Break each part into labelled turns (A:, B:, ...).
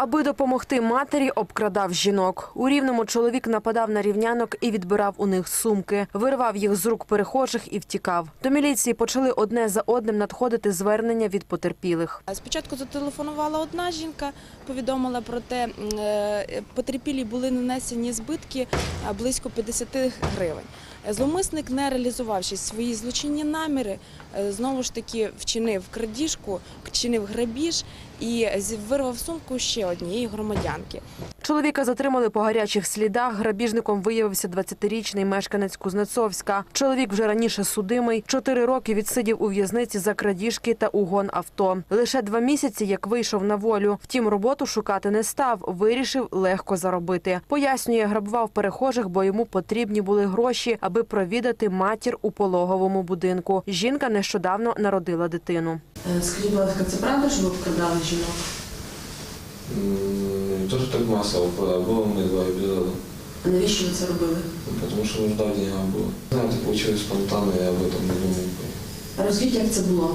A: Аби допомогти матері, обкрадав жінок. У Рівному чоловік нападав на рівнянок і відбирав у них сумки. Вирвав їх з рук перехожих і втікав. До міліції почали одне за одним надходити звернення від потерпілих.
B: Спочатку зателефонувала одна жінка, повідомила про те, потерпілій були нанесені збитки близько 50 гривень. Зловмисник, не реалізувавши свої злочинні наміри, знову ж таки вчинив крадіжку, вчинив грабіж і вирвав сумку ще однієї громадянки.
A: Чоловіка затримали по гарячих слідах. Грабіжником виявився 20-річний мешканець Кузнецовська. Чоловік вже раніше судимий. 4 роки відсидів у в'язниці за крадіжки та угон авто. Лише 2 місяці, як вийшов на волю. Втім, роботу шукати не став. Вирішив легко заробити. Пояснює, грабував перехожих, бо йому потрібні були гроші, аби провідати матір у пологовому будинку. Жінка нещодавно народила дитину.
C: Скажіть, будь ласка, це правда, що ви вкрадали жінок?
D: Тоже так массово было, мы 2 эпизода.
C: А навіщо ви це робили?
D: Потому что нужда в деньгах была. Знаете, получилось спонтанно, я об этом не думал.
C: А розкажіть, як це було?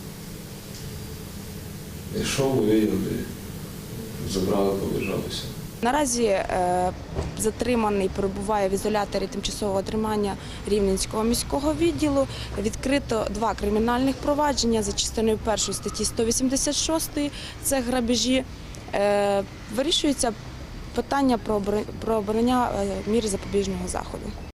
D: И шел, увидел, и забрал, побежал, и все.
B: Наразі затриманий перебуває в ізоляторі тимчасового тримання Рівненського міського відділу. Відкрито 2 кримінальних провадження за частиною 1 статті 186 – це грабежі. Вирішується питання про обрання міри запобіжного заходу.